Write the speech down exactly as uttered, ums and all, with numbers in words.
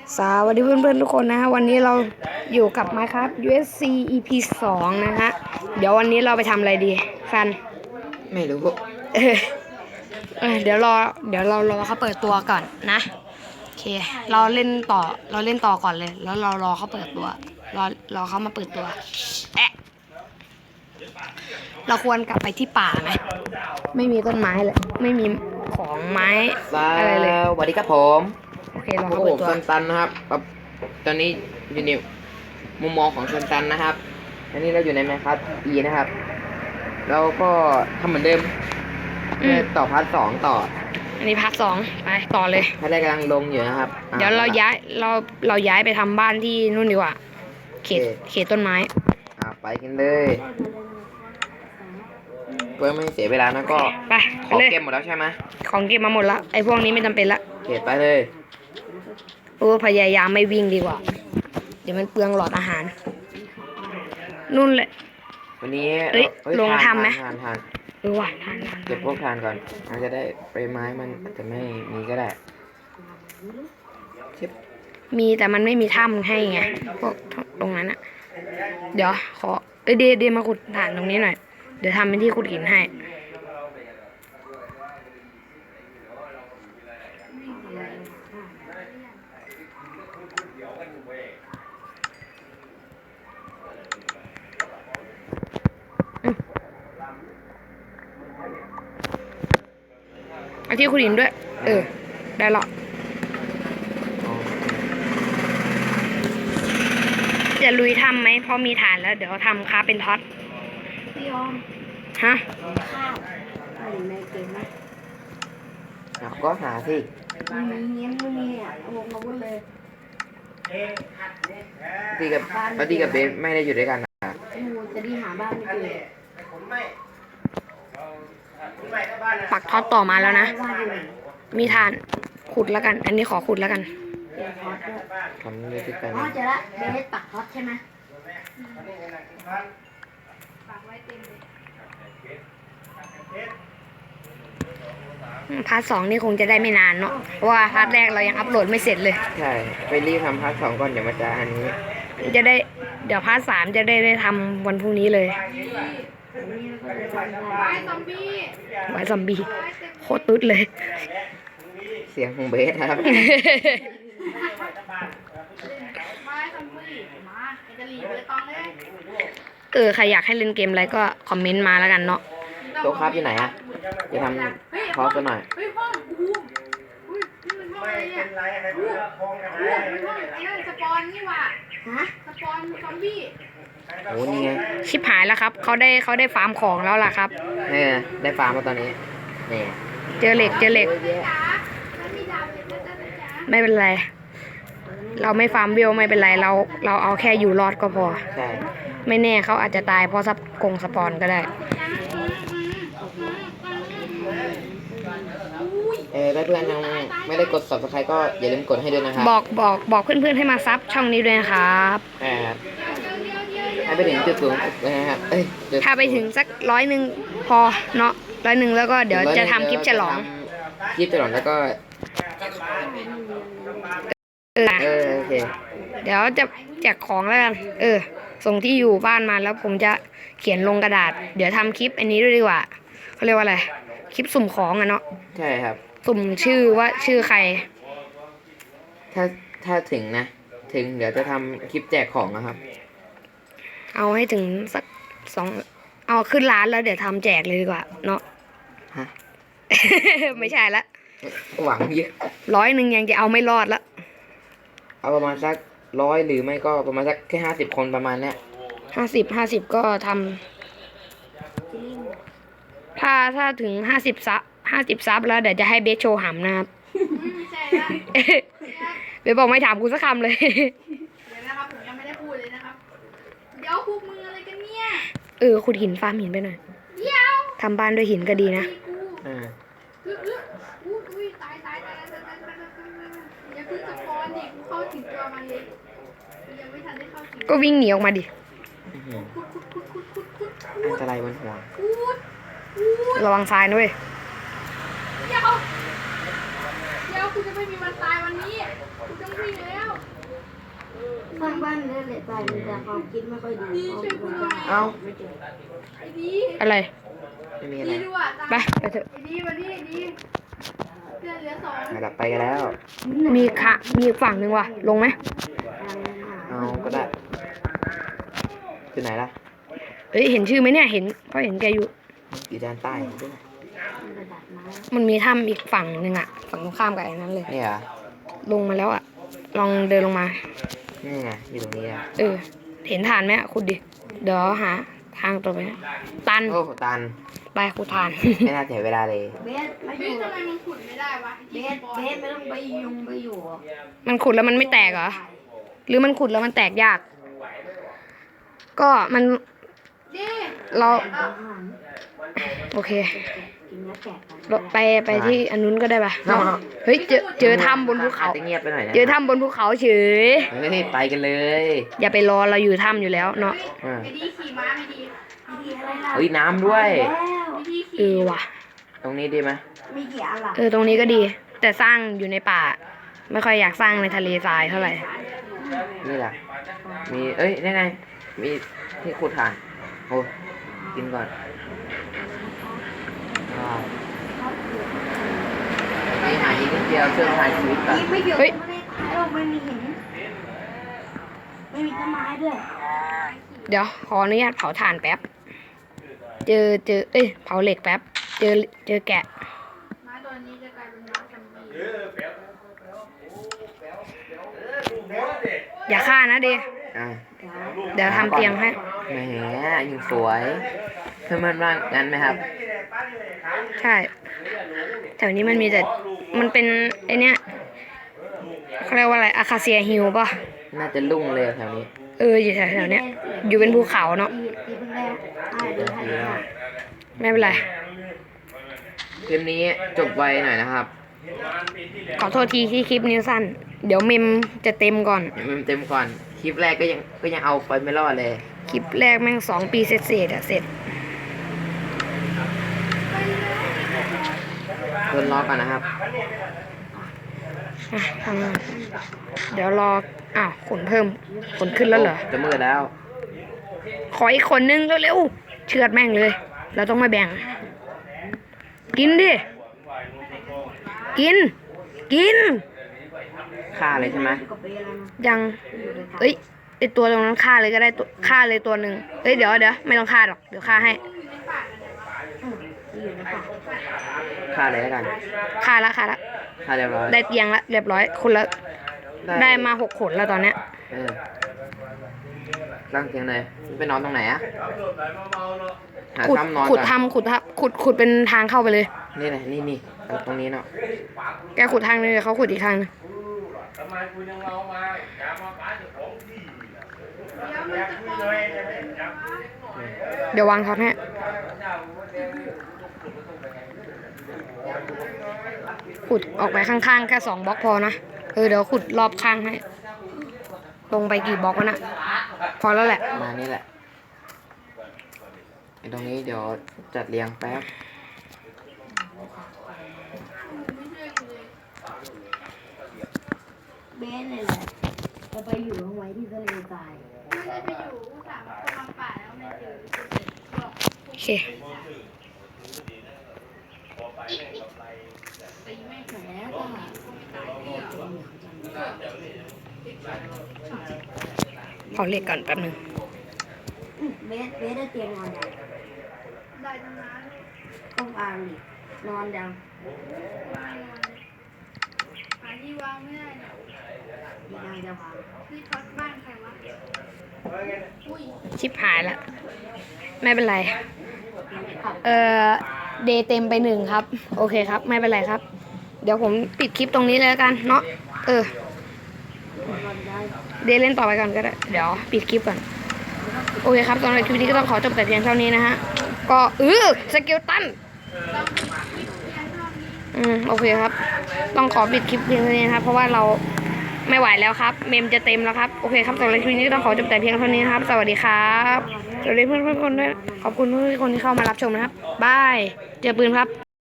สวัสดีเพื่อนๆทุกคนนะฮะวันนี้เราอยู่กับ Minecraft ยู เอส ซี อี พี สองนะฮะเดี๋ยววันนี้เราไปทำอะไรดีฟันไม่รู้เออเออเดี๋ยวรอเดี๋ยวเรารอเขาเปิดตัวก่อนนะโอเคเราเล่นต่อเราเล่นต่อก่อนเลยแล้วเรารอเขาเปิดตัวรอรอเขามาเปิดตัวแอะเราควรกลับไปที่ป่าไหมไม่มีต้นไม้เลยไม่มีของไม้อะไรเลยสวัสดีครับผมโอเครอโอ้เขาโหเปิดตัวซันตันนะครับตอนนี้อยู่ในมุมมองของซันตันนะครับอันนี้เราอยู่ในแมคครับอีนะครับเราก็ทำเหมือนเดิมต่อพาร์ทสองต่ออันนี้พาร์ทสองไปต่อเลยพาร์ทแรกกำลังลงอยู่นะครับเดี๋ยวเราย้ายเราเราย้ายไปทำบ้านที่นู่นดีกว่าเขตเขตต้นไม้อ่าไปกันเลยเพื่อไม่เสียเวลานะก็ไปของเก็บหมดแล้วใช่ไหมของเก็บมาหมดละไอ้พวกนี้ไม่จำเป็นละเก็บไปเลยโอ้พยายามไม่วิ่งดีกว่าเดี๋ยวมันเปลืองหลอดอาหารนู่นเลยวันนี้ลงทำไหมทานทานเออว่ะทานเก็บพวกทานก่อนมันจะได้ใบไม้มันอาจจะไม่มีก็ได้มีแต่มันไม่มีถ้ำให้ไงพวกตรงนั้นอะเดี๋ยวขอเออเดเดมาขุดฐานตรงนี้หน่อยเดี๋ยวทำเป็นที่ขุดหินให้เอาที่ขุดหินด้วยเออได้หรอจะลุยทำไหมพอมีฐานแล้วเดี๋ยวทำค้าเป็นท็อตพี่ยอมฮะข้าวอะไรในเกมไหมก็หาสิไม่มีเงี้ยไม่มีอ่ะวงมาวุ้นเลยดีกับแล้วดีกับเบสไม่ได้อยู่ด้วยกันนะจะดีหาบ้านไม่เจอปักท็อตต่อมาแล้วนะมีฐานขุดแล้วกันอันนี้ขอขุดแล้วกันทำเลยที่กันอ๋อเจอละเบสปักท็อตใช่ไหมพาร์ทสองนี่คงจะได้ไม่นานเนาะเพราะว่าพาร์ทแรกเรายังอัปโหลดไม่เสร็จเลยใช่ไปรีบทำพาร์ทสองก่อนเดี๋ยวมาจะอันนี้จะได้เดี๋ยวพาร์ทสามจะได้ได้ทำวันพรุ่งนี้เลยไว้ซอมบี้ไว้ซอมบี้โคตรตุ๊ดเลยเสียงของเบสครับเออใครอยากให้เล่นเกมอะไรก็คอมเมนต์มาแล้วกันเนาะโต๊ะครับอยู่ไหนอะจะทำพอสกันหน่อยเฮ้ยห้องอู้อุ้ยนี่มันห้องอะไรเนี่ยอู้อู้มันห้องไอ้นั่นสปอนนี่ว่ะฮะสปอนซอมบี้โอ้นี่ไงชิบหายแล้วครับเขาได้เขาได้ฟาร์มของแล้วล่ะครับนี่ได้ฟาร์มมาตอนนี้นี่เจอเหล็กเจอเหล็กไม่เป็นไรเราไม่ฟาร์มวิวไม่เป็นไรเราเราเอาแค่อยู่รอดก็พอใช่ไม่แน่เขาอาจจะตายเพราะซับกงสปอนก็ได้เออเพื่อนๆยังไม่ได้กด ซับสไครบ์ ก็อย่าลืมกดให้ด้วยนะครับบอกบอกบอกเพื่อนๆให้มาซับช่องนี้ด้วยนะครับอ่าให้ไปถึงจุดสูงนะครับเอ้ยถ้าไปถึงสักร้อยหนึ่งพอเนาะร้อยหนึ่งแล้วก็เดี๋ยวจะทำคลิปฉลองคลิปฉลองแล้วก็เออโอเคเดี๋ยวจะแจกของแล้วกันเออส่งที่อยู่บ้านมาแล้วผมจะเขียนลงกระดาษเดี๋ยวทำคลิปอันนี้ด้วยดีกว่าเขาเรียกว่าอะไรคลิปสุ่มของอะเนาะใช่ครับสุ่มชื่อว่าชื่อใครถ้าถ้าถึงนะถึงเดี๋ยวจะทำคลิปแจกของนะครับเอาให้ถึงสักสองเอาขึ้นร้านแล้วเดี๋ยวทำแจกเลยดีกว่าเนาะฮะไม่ใช่ละหวังเยอะร้อยหนึ่งยังจะเอาไม่รอดละเอาประมาณสักร้อยหรือไม่ก็ประมาณสักแค่ห้าสิบคนประมาณเนี้ยห้าสิบห้าสิบก็ทำถ้าถ้าถึงห้าสิบซับห้าสิบซับแล้วเดี๋ยวจะให้เบสโชว์หำนะครับเบสบอกไม่ถามกูสักคำเลยเดี๋ยวนะครับผมยังไม่ได้พูดเลยนะครับเดี๋ยวคุกมืออะไรกันเนี่ยเออขุดหินฟาร์มหินไปหน่อยเดี๋ยวทำบ้านด้วยหินก็ดีนะอ่าอุ้ยตายตายตายตายตายอย่าเพิ่งสปอนดิกูเข้าถึงตัวมันเลยยังไม่ทันได้เข้าถึงก็วิ่งหนีออกมาดิอันตรายบนหัวระวังทรายด้วยเดี๋ยวเดี๋ยวกูจะไม่มีวันตายวันนี้กูจะวิ่งแล้วสร้างบ้านได้เลยแต่แต่ความคิดไม่ค่อยดีดีช่วยกูหน่อยเอ้าไอ้ดีอะไรไม่มีอะไรดีด้วยตาไปไปเถอะไอ้ดีมาดิไอ้ดีเพื่อนเหลือสองอ่ะดับไปกันแล้วมีค่ะมีอีกฝั่งหนึ่งว่ะ ลงไหมเอาก็ได้อยู่ไหนล่ะเอ้ยเห็นชื่อไหมเนี่ยเห็นเพราะเห็นแกอยู่อยู่ด้านใต้ด้วยมันมีถ้ำอีกฝั่งหนึ่งอะฝั่งตรงข้ามกับไอ้นั้นเลยนี่เหรอลงมาแล้วอะลองเดินลงมานี่ไงอยู่ตรงนี้อ่ะเออ เห็นฐานไหมอะขุดดิ เดี๋ยวหาทางตัวไปนะตันโอ้โหตันไปขุดฐานไม่น่าเสียเวลาเลยเบสไม่อเฮ้ยยู่ทำไมมันขุดไม่ได้วะเบสเบสไม่ต้องไปยุงไปอยู่มันขุดแล้วมันไม่แตกเหรอ หรือมันขุดแล้วมันแตกยาก ก็มันดิเราอาหารโอเคกินแล้วแตกเราไปไปที่อันนู้นก็ได้ปะเราเฮ้ยเจอเจอถ้ำบนภูเขาอาจจะเงียบไปหน่อยนะเจอถ้ำบนภูเขาเฉยเฮ้ยไปกันเลยอย่าไปรอเราอยู่ถ้ำอยู่แล้วเนาะอ่ะไอ้ดีขี่ม้าไม่ดีดีอะไรล่ะเฮ้ยน้ำด้วยแล้วไอ้ดีเอขี่อว่ะตรงนี้ดีไหมมีกี่อันล่ะเออตรงนี้ก็ดี แต่สร้างอยู่ในป่า ไม่ค่อยอยากสร้างในทะเลทรายเท่าไหร่นี่แหละมีเอ้ยนี่ไง มีที่ขุดถ่านโอ้กินก่อนว้าวมีหาอีกนิดเดียวเชื่อถ่ายชีวิตก่อนนี่ไม่เกี่ยวเฮ้ยไม่ได้ตายหรอกไม่มีหินไม่มีต้นไม้ด้วยเดี๋ยวขออนุญาตเผาถ่านแป๊บ เจอเจอเอ้ยเผาเหล็กแป๊บ เจอเจอแกะม้าตัวนี้จะกลายเป็นม้าซัมบี้อย่าฆ่านะเดอ่ะเดี๋ยวทำเตียงให้แหมยังสวยเพื่อนมันว่างั้นไหมครับใช่แถวนี้มันมีแต่ มันเป็นไอเนี้ยเขาเรียกว่าอะไรอาคาเซียฮิลป่ะน่าจะลุ่งเลยแถวนี้เอออยู่แถวๆเนี้ย อยู่เป็นภูเขาเนาะตีตีเพิ่งได้ตายเลยให้ได้ไม่เป็นไรคลิปนี้จบไวหน่อยนะครับขอโทษทีที่คลิปนี้สั้น เดี๋ยวเมมจะเต็มก่อนเดี๋ยวมันเต็มก่อน คลิปแรกก็ยังก็ยังเอาไปไม่รอดเลยคลิปแรกแม่งสองปีเสร็จๆอะเสร็จทนรอก่อนนะครับอ่ะทำงานเดี๋ยวรอ อ้าวขนเพิ่มขนขึ้นแล้วเหรอจะมืดแล้วขออีกคนนึงเร็วๆ เชือดแม่งเลย เราต้องมาแบ่ง กินดิ กิน กินฆ่าเลยใช่ไหมกับเบสแล้วนะยัง เอ้ยไอตัวตรงนั้นฆ่าเลยก็ได้ตัวฆ่าเลยตัวหนึ่งเอ้ยเดี๋ยวเดี๋ยวไม่ต้องฆ่าหรอก เดี๋ยวฆ่าให้อืมอยู่ในป่าฆ่าเลยแล้วกันฆ่าละฆ่าละฆ่าเรียบร้อยได้เตียงละเรียบร้อย คุณละได้มาหกขนแล้วตอนเนี้ยเออร่างเตียงเลยไปนอนตรงไหนอะหาขุดถ้ำนอนขุดก่อนทำขุดทับขุดขุดเป็นทางเข้าไปเลยนี่แหละนี่นี่เอาตรงนี้เนาะแกขุดทางนึงเดี๋ยวเขาขุดอีกทางนึงเดี๋ยวมันจะปอนเดี๋ยววางท็อตให้ขุดออกไปข้างๆแค่สองบล็อกพอนะ เออเดี๋ยวขุดรอบข้างให้ ลงไปกี่บล็อกวะนะพอแล้วแหละมานี่แหละไอ้ตรงนี้เดี๋ยวจัดเรียงแป๊บเบสเนี่ยแหละจะไปอยู่ตรงไว้ที่ทะเลทรายไม่ได้ไปอยู่อุตส่าห์มาคนลำป่าแล้วไม่เจอบอกโอเคตีไม่แหมก็หาเผาเหล็กก่อนแป๊บนึงอืมเบสเบสได้เตียงนอนยังได้ทั้งนั้นต้องอ่านดินอนยังวางหาที่วางไม่ได้เนี่ยมีนางจะพังที่ท็อตบ้านใครวะอุ้ยชิบหายละไม่เป็นไร เอ่อเดย์เต็มไปหนึ่งครับ โอเคครับ ไม่เป็นไรครับ เดี๋ยวผมปิดคลิปตรงนี้เลยแล้วกันเนาะเออนอนได้เดย์เล่นต่อไปก่อนก็ได้ เดี๋ยวปิดคลิปก่อน โอเคครับสำหรับคลิปนี้ก็ต้องขอจบแต่เพียงเท่านี้นะฮะ ก็เออสเกลตันต้องมีคลิปเพียงเท่านี้อืมโอเคครับ ต้องขอปิดคลิปเพียงเท่านี้นะครับ เพราะว่าเราไม่ไหวแล้วครับ เมมจะเต็มแล้วครับ โอเคครับสำหรับคลิปนี้ก็ต้องขอจบแต่เพียงเท่านี้นะครับ สวัสดีครับสวัสดีเพื่อนๆทุกคนด้วย ขอบคุณทุกคนที่เข้ามารับชมนะครับ บาย เจอปืนครับ